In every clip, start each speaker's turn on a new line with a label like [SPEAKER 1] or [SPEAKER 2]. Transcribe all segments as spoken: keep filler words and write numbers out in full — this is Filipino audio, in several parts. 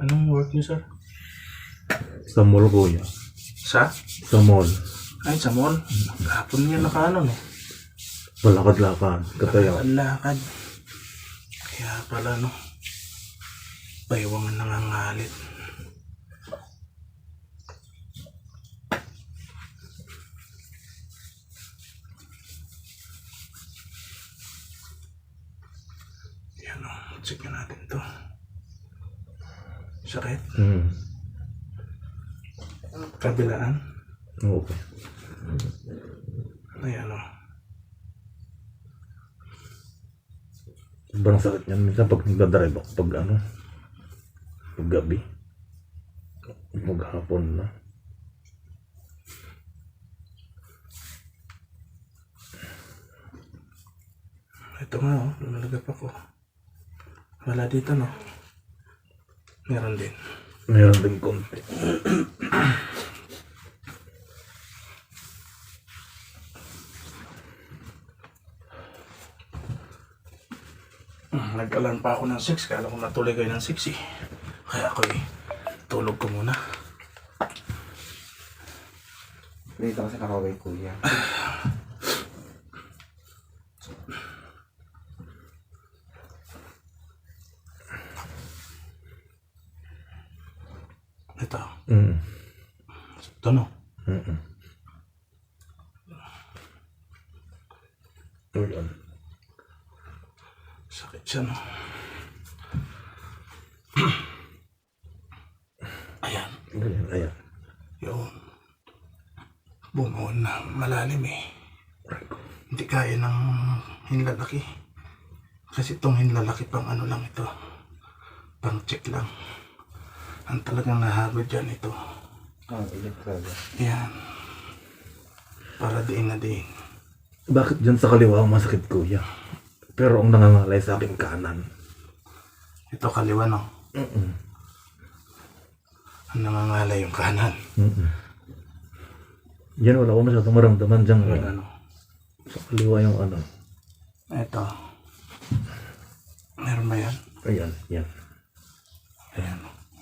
[SPEAKER 1] Anong work niyo, sir?
[SPEAKER 2] Sa mall, kuya.
[SPEAKER 1] Sa?
[SPEAKER 2] Sa mall.
[SPEAKER 1] Ay, sa mall. Kahapon niya naka ano, no?
[SPEAKER 2] Balakad-lakad. Katayo.
[SPEAKER 1] Ang lakad. Kaya pala, no? Baywangan nangangalit. Yan, no? Check na natin to. Sakit?
[SPEAKER 2] Hmm.
[SPEAKER 1] Kabilaan?
[SPEAKER 2] Okay.
[SPEAKER 1] Ayan, no?
[SPEAKER 2] Sobrang sakit niyan. Minsan pag nagdadrive ako, pag ano, pag gabi, maghapon na.
[SPEAKER 1] Ito nga, oh. Lumalagap ako. Wala dito, no? Meron din.
[SPEAKER 2] Meron din konti.
[SPEAKER 1] Nag-alarm pa ako ng six. Kala ko natuloy kayo ng six eh. Kaya ako eh, tulog ko muna.
[SPEAKER 3] Dito kasi nakaway kuya.
[SPEAKER 1] Ito.
[SPEAKER 2] Mm.
[SPEAKER 1] Ito, no?
[SPEAKER 2] Mm-mm. Ayan.
[SPEAKER 1] Sakit siya, no? Ayan.
[SPEAKER 2] Ayan, ayan.
[SPEAKER 1] Yun. Bumuon na malalim eh. Hindi kaya ng hinlalaki. Kasi itong hinlalaki pang ano lang ito. Pang check lang. Ang talagang nahagod dyan ito.
[SPEAKER 3] Oh, ulit talaga.
[SPEAKER 1] Yan. Para diin na diin.
[SPEAKER 2] Bakit dyan sa kaliwa ang masakit, kuya? Pero ang nangangalay sa akin kanan.
[SPEAKER 1] Ito kaliwa, no?
[SPEAKER 2] Mm-mm.
[SPEAKER 1] Ang nangangalay yung kanan.
[SPEAKER 2] Mm-mm. Yan wala ko masyadong maramdaman dyan.
[SPEAKER 1] Wala, no?
[SPEAKER 2] Sa kaliwa yung ano.
[SPEAKER 1] Ito. Meron ba yan?
[SPEAKER 2] Ayan, yan.
[SPEAKER 1] Ayan.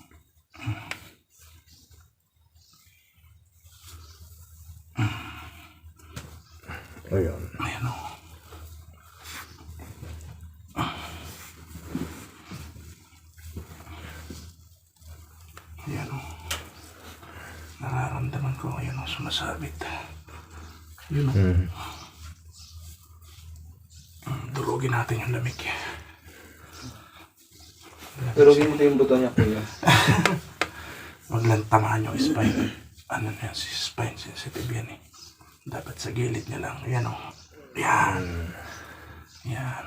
[SPEAKER 2] Ayan.
[SPEAKER 1] Ayan, o. Ayan, o. Nararamdaman ko, ayan o, sumasabit. Yun o.
[SPEAKER 2] Mm.
[SPEAKER 1] Durugin natin yung lamig.
[SPEAKER 3] Turugin mo ito yung buto niya kuya.
[SPEAKER 1] Huwag lang tamaan yung spine. Ano na yan, si spine sensitive yan eh. Dapat sa gilid niya lang. Yan o. Yan. Yan.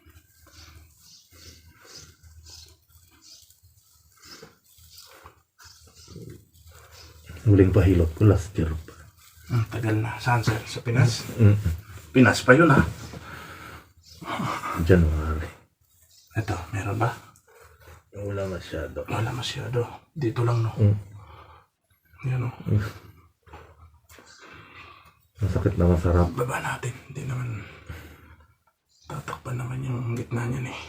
[SPEAKER 2] Huling pahilot ko last year pa.
[SPEAKER 1] Ang tagal na. Saan sir? Sa Pinas?
[SPEAKER 2] Mm.
[SPEAKER 1] Pinas pa yun ha?
[SPEAKER 2] January.
[SPEAKER 1] Ito, meron ba?
[SPEAKER 2] Wala masyado.
[SPEAKER 1] Wala masyado. Dito lang no.
[SPEAKER 2] Mm.
[SPEAKER 1] Yan o.
[SPEAKER 2] Masakit na masarap.
[SPEAKER 1] Baba natin. Hindi naman tatakpan naman yung gitna niyan eh.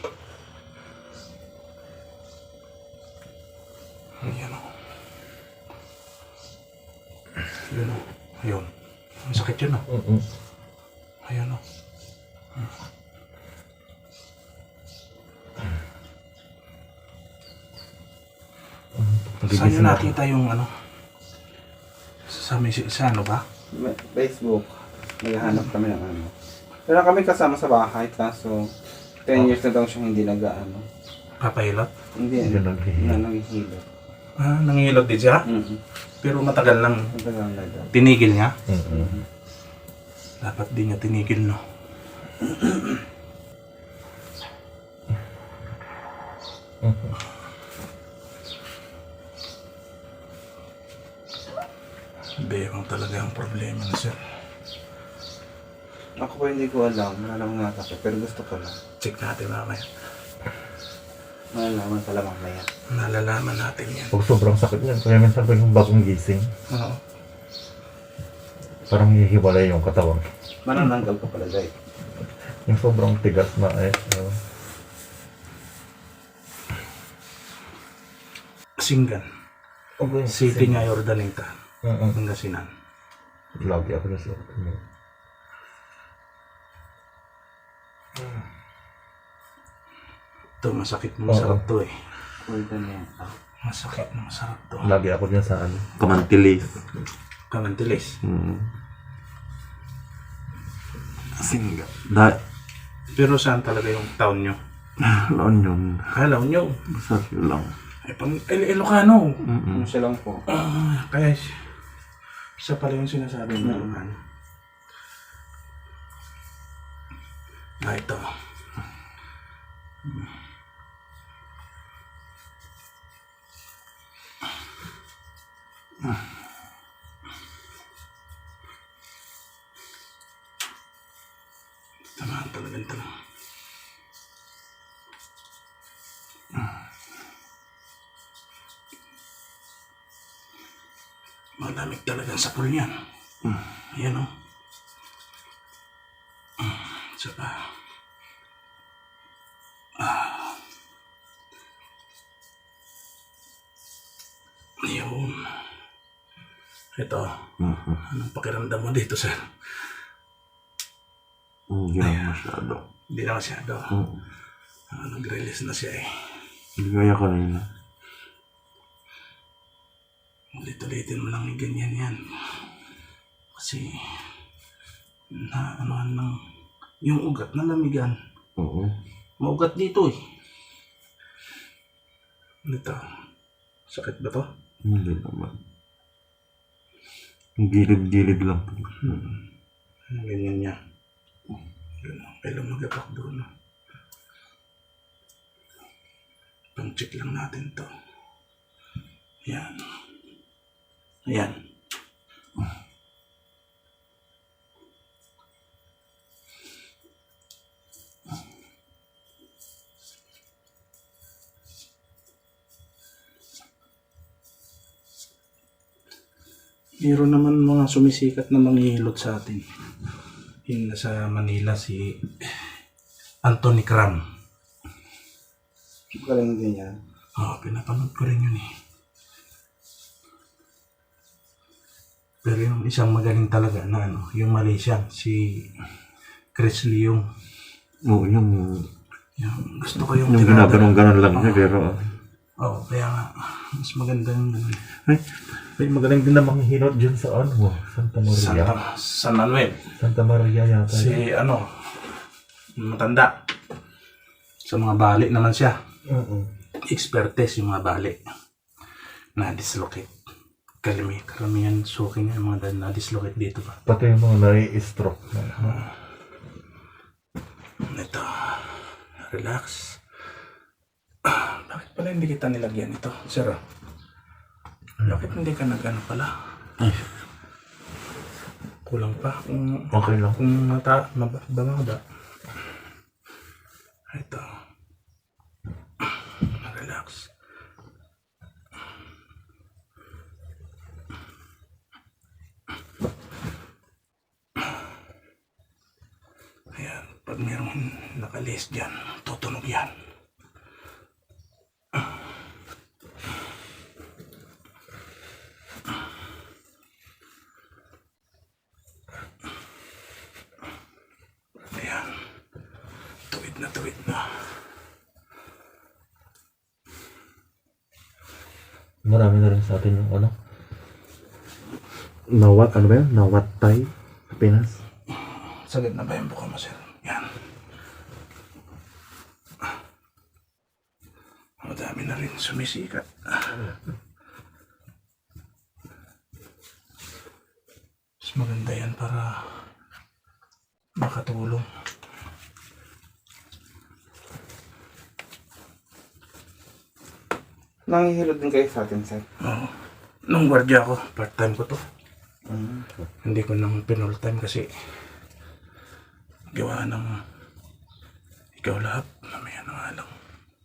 [SPEAKER 1] Yan o. Yun o. Ayun. Ang sakit yun o.
[SPEAKER 2] Mm-mm.
[SPEAKER 1] Ayun o. Saan nyo nakita yung ano? Sa, may, sa ano ba?
[SPEAKER 3] May- Facebook. Naghahanap kami ng ano. Pero kami kasama sa bahay kaso ten years na daw siya hindi nag-ano.
[SPEAKER 1] Papahilot?
[SPEAKER 3] Hindi
[SPEAKER 2] Hindi
[SPEAKER 3] na
[SPEAKER 2] naghihilot.
[SPEAKER 3] nanghihilot.
[SPEAKER 1] Ah, nangihilot din siya?
[SPEAKER 3] Mm-hmm.
[SPEAKER 1] Pero matagal lang.
[SPEAKER 3] Matagal na daw.
[SPEAKER 1] Tinigil niya?
[SPEAKER 2] Mm-mm.
[SPEAKER 1] Dapat di niya tinigil, no? Bewang talaga ang problema na sir.
[SPEAKER 3] Ako pa hindi ko alam. Malalaman nga ako. Pero gusto ko lang.
[SPEAKER 1] Check natin mamaya.
[SPEAKER 3] Malalaman pala mamaya.
[SPEAKER 1] Nalalaman natin yan.
[SPEAKER 2] Pag sobrang sakit niyan, kaya minsan pag yung bagong gising,
[SPEAKER 1] Oo.
[SPEAKER 2] parang hihiwalay yung katawan.
[SPEAKER 3] Manananggal ka pala, Jay.
[SPEAKER 2] Yung sobrang tigas na eh. Uh,
[SPEAKER 1] Singgan.
[SPEAKER 2] Okay.
[SPEAKER 1] City niya, Ordaneta.
[SPEAKER 2] Mm-mm.
[SPEAKER 1] Pangasinan.
[SPEAKER 2] Lagi ako na sa akin.
[SPEAKER 1] Ito, masakit na masarap to eh.
[SPEAKER 3] Ordaneta.
[SPEAKER 1] Masakit na masarap to.
[SPEAKER 2] Lagi ako dyan sa ano. Kamantilis.
[SPEAKER 1] Kamantilis.
[SPEAKER 2] Hmm. Singga. Da,
[SPEAKER 1] Pero saan talaga yung town nyo?
[SPEAKER 2] laon yun.
[SPEAKER 1] Kala nyo.
[SPEAKER 2] Basta yun lang.
[SPEAKER 1] Ay, pang Il- Ilocano.
[SPEAKER 2] Mm-mm.
[SPEAKER 3] Ano siya lang po.
[SPEAKER 1] Ah, kaya isa pala yung sinasabi mo. Ilocano. Ah, ito. Tama talaga ito. Malamig talaga sa pool niyan. Ayan o. Isa pa. Ah. Ayun. Ito.
[SPEAKER 2] Mhm.
[SPEAKER 1] Anong pakiramdam mo dito, sir?
[SPEAKER 2] Hindi na masyado.
[SPEAKER 1] Hindi na masyado.
[SPEAKER 2] Mm.
[SPEAKER 1] Ah, nag-release na siya eh.
[SPEAKER 2] Hindi kaya kanina.
[SPEAKER 1] Ulit-ulitin mo lang yung ganyan yan. Kasi, na ano ng, yung ugat na lamigan.
[SPEAKER 2] Oo.
[SPEAKER 1] Maugat dito eh. Ito. Sakit ba to?
[SPEAKER 2] Hindi naman. Ang gilid-gilid lang.
[SPEAKER 1] Hmm. Ganyan niya. Ganun. Kaya lumagapak doon. Pang-check lang natin to. Yan. Ayan. Meron naman mga sumisikat na manghihilot sa atin. Yung nasa Manila si Anthony Cram.
[SPEAKER 3] Galing din yan.
[SPEAKER 1] Oo, pinapanood ko rin yun eh. Pero yung isang magaling talaga na ano, yung Malaysian, si Chris Leong.
[SPEAKER 2] Oo, yung...
[SPEAKER 1] Yung, gusto ko yung,
[SPEAKER 2] Yung
[SPEAKER 1] tirada.
[SPEAKER 2] ginaganong-ganon lang niya, pero...
[SPEAKER 1] Oo, kaya nga, mas maganda yung ano,
[SPEAKER 2] Ay, may magaling din namang hinot dyan sa ano, Santa Maria.
[SPEAKER 1] Santa, San Manuel.
[SPEAKER 2] Santa Maria yata.
[SPEAKER 1] Si ano, matanda. Sa mga bali naman siya.
[SPEAKER 2] Oo.
[SPEAKER 1] Expertise yung mga bali. Na-dislocate. Kalimi, karamihan suking yung mga na-dislocate dito pa.
[SPEAKER 2] Pati yung mga nai-stroke.
[SPEAKER 1] Ito. Relax. Ah, bakit pala hindi kita nilagyan ito? Sir, ah. Bakit hindi ka nag-ano pala?
[SPEAKER 2] Ay,
[SPEAKER 1] Kulang pa. Kung,
[SPEAKER 2] okay lang.
[SPEAKER 1] kung mata, mababa. Ito. Relax. Ayan. Pag mayroong nakalis dyan, tutunog yan. Ayan. Tuwid na tuwid na.
[SPEAKER 2] Marami na rin sa atin yung ano. Nawat, ano ba yun? Nawatay. Pinas.
[SPEAKER 1] Sagad na ba yung buka mo, sir? Yan. Madami na rin sumisikat. Mas maganda yan para makatulong.
[SPEAKER 3] Nangihilot din kayo sa atin, sir.
[SPEAKER 1] Oo. Nung gwardiya ako, part-time ko to.
[SPEAKER 3] Mm.
[SPEAKER 1] Hindi ko nang pinul-time kasi gawa ng ikaw lahat. Mamaya na nga lang.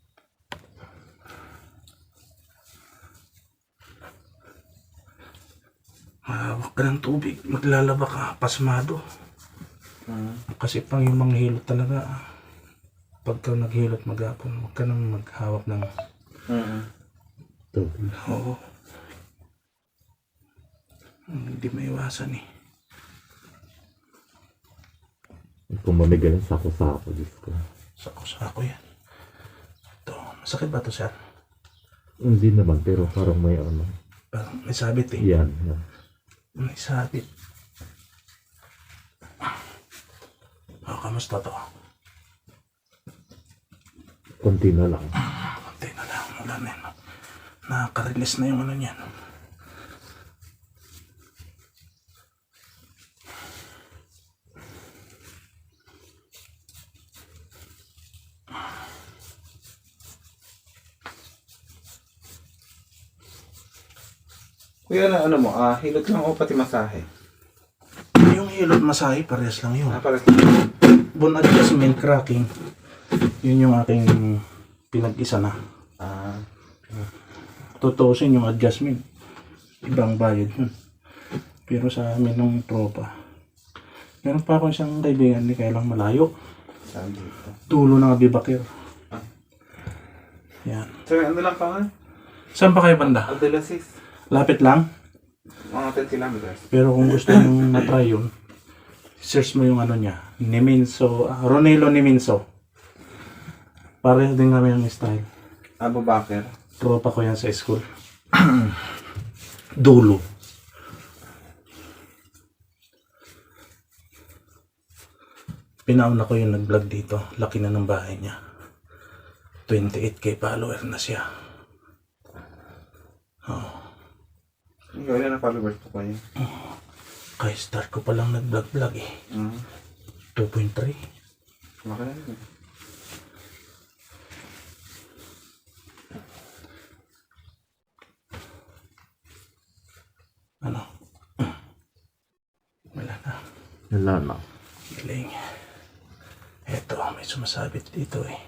[SPEAKER 1] Mahawak ka ng tubig, maglalaba ka, pasmado.
[SPEAKER 3] Mm.
[SPEAKER 1] Kasi pang yung manghilot talaga, pagka naghilot maghapon, huwag ka nang maghawak ng
[SPEAKER 3] Mm.
[SPEAKER 2] Tubig.
[SPEAKER 1] Oo. Hindi maiwasan eh.
[SPEAKER 2] Kung mamigaling sako-sako, Diyos ko.
[SPEAKER 1] Sako-sako yan. Ito, masakit ba ito, sir?
[SPEAKER 2] Hindi naman, pero parang may ano.
[SPEAKER 1] Parang may sabit eh.
[SPEAKER 2] Yan, yan.
[SPEAKER 1] May sabit. Oh, kamusta to?
[SPEAKER 2] Konti na lang.
[SPEAKER 1] Konti na lang. Wala na yun. Nakaka-release na yung ano niyan.
[SPEAKER 3] Kuya, na ano mo, ah, hilot lang o pati masahe?
[SPEAKER 1] Yung hilot masahe, parehas lang yun.
[SPEAKER 3] Ah, para
[SPEAKER 1] Bone adjustment cracking. Yun yung aking pinag-isa na.
[SPEAKER 3] ah,
[SPEAKER 1] Tutusin yung adjustment. Ibang bayad yun. Pero sa amin ng tropa. Meron pa ako isang kaibigan ni kaya lang malayo.
[SPEAKER 3] saan dito?
[SPEAKER 1] Tulo ng Abibakir. Yan.
[SPEAKER 3] So, ano lang pa nga?
[SPEAKER 1] Saan pa kayo banda?
[SPEAKER 3] Abdulaziz.
[SPEAKER 1] Lapit lang.
[SPEAKER 3] Mga ten kilometers.
[SPEAKER 1] Pero kung gusto nyo na-try yun, search mo yung ano niya. Niminso. Uh, Ronelo Niminso. Pareho din kami ang style.
[SPEAKER 3] Abu Bakr.
[SPEAKER 1] Tropa ko yan sa school. Dulo. Pinauna ko yung nag-vlog dito. Laki na ng bahay niya. twenty-eight K follower na siya. Oh.
[SPEAKER 3] Ikaw, ilan na followers po kayo?
[SPEAKER 1] Kaya start ko palang nag-vlog-vlog eh.
[SPEAKER 3] Mm.
[SPEAKER 1] two point three.
[SPEAKER 3] Maka na yun.
[SPEAKER 1] Ano? Wala na.
[SPEAKER 2] Wala na.
[SPEAKER 1] Galing. Eto, may sumasabit dito eh.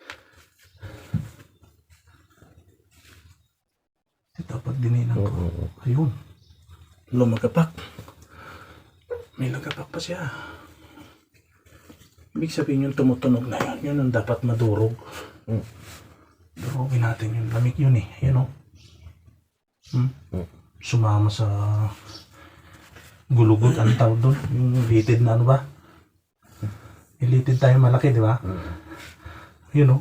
[SPEAKER 1] Ito, pag dininang ko.
[SPEAKER 2] Oo.
[SPEAKER 1] Ayun. Lumagapak. May lagapak pa siya. Ibig sabihin yung tumutunog na yun. Yun ang dapat madurog.
[SPEAKER 2] Mm.
[SPEAKER 1] Durugin natin yung lamig yun eh. Ayun o. Hmm?
[SPEAKER 2] Mm.
[SPEAKER 1] Sumama sa gulugod ang tawag doon. Yung litid na ano ba? Yung litid tayo malaki, di ba?
[SPEAKER 2] Mm.
[SPEAKER 1] Yun o.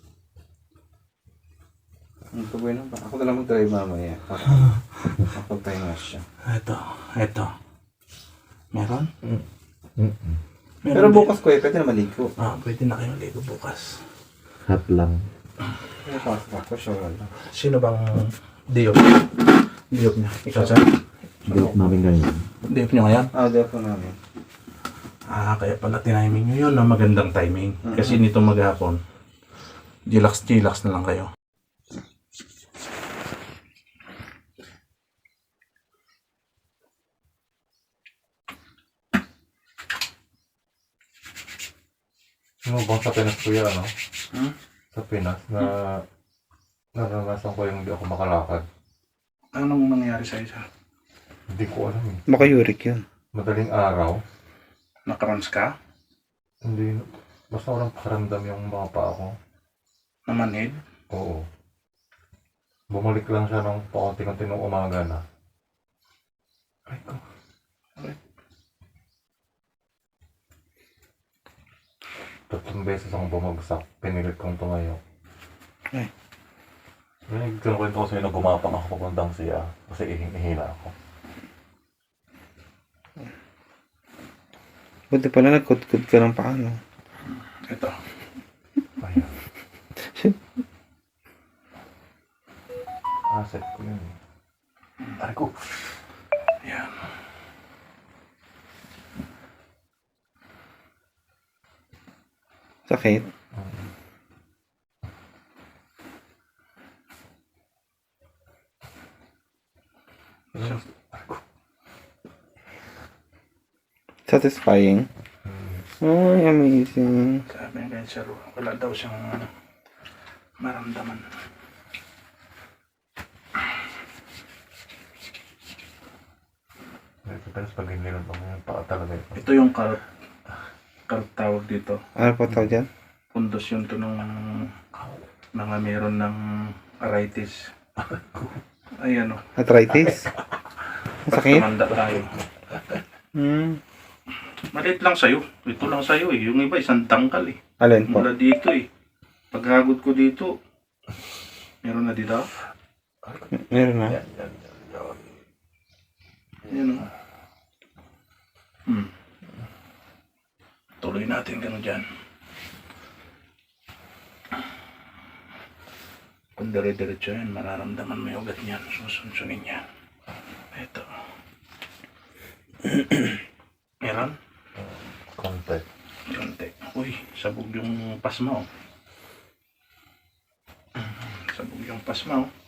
[SPEAKER 3] Ang tuboy na ba? Ako na lang mag-drive mamaya. Para makapag-tayo nga siya.
[SPEAKER 1] Ito. Ito. Meron?
[SPEAKER 2] Mm. Mm.
[SPEAKER 1] Meron
[SPEAKER 3] Pero
[SPEAKER 1] din.
[SPEAKER 3] bukas ko eh, pwede na maligo.
[SPEAKER 1] Ah, pwede na kayong ligo bukas.
[SPEAKER 2] Hot lang.
[SPEAKER 3] Kaya pasok ako, sure lang.
[SPEAKER 1] Sino bang diop? Diop niya. Ikaw sir?
[SPEAKER 2] Joke namin ganyan.
[SPEAKER 1] Diop niyo ngayon?
[SPEAKER 3] Ah, di ako namin.
[SPEAKER 1] Ah, kaya pala tiniming nyo yun na magandang timing. Kasi nito maghapon, chillax-chillax na lang kayo.
[SPEAKER 2] Ano bang sa Pinas kuya, ano?
[SPEAKER 1] Hmm?
[SPEAKER 2] Sa Pinas na naranasan ko yung hindi ako makalakad.
[SPEAKER 1] Anong nangyari sa'yo sir?
[SPEAKER 2] Hindi ko alam eh.
[SPEAKER 3] Baka uric yun.
[SPEAKER 2] Madaling araw,
[SPEAKER 1] Nakrons ka?
[SPEAKER 2] hindi, basta walang pakiramdam yung mga paa ko.
[SPEAKER 1] Namanhid?
[SPEAKER 2] Oo. Bumalik lang siya ng paunti-unti nung umaga na.
[SPEAKER 1] Ay ko.
[SPEAKER 2] Tatlong beses akong bumagsak, pinilit kong tumayo.
[SPEAKER 3] Ay.
[SPEAKER 2] May kwento ko sa'yo na gumapang ako papuntang siya kasi ihing-ihila ako.
[SPEAKER 3] Buti pala nagkudkud ka ng paano.
[SPEAKER 1] Ito.
[SPEAKER 2] Ayan. Asset ko yun eh.
[SPEAKER 1] Ay ko. Yan.
[SPEAKER 3] Sakit. Satisfying. Ay, amazing.
[SPEAKER 1] Sabi niya kay sir, wala daw siyang maramdaman.
[SPEAKER 2] Pero pag hinilot ako yung paa talaga ito.
[SPEAKER 1] Ito yung carp. Carp tawag dito.
[SPEAKER 3] Ano po tawag dyan?
[SPEAKER 1] Pundos yun to nung mga meron ng arthritis. Ayan o.
[SPEAKER 3] Arthritis? Masakit?
[SPEAKER 1] Tumanda tayo.
[SPEAKER 3] Hmm.
[SPEAKER 1] Maliit lang sa'yo. Ito lang sa'yo eh. Yung iba isang tangkal eh.
[SPEAKER 3] Alin po?
[SPEAKER 1] Mula dito eh. Paghagod ko dito, meron na dito.
[SPEAKER 3] Meron na.
[SPEAKER 1] Ayan o. Hmm. Tuloy natin gano'n dyan. Kung dire-diretso yan, mararamdaman mo yung ugat niyan. Susunsunin yan. Ito. Meron?
[SPEAKER 2] Konti.
[SPEAKER 1] Konti. Uy, sabog yung pasma oh. Sabog yung pasma oh.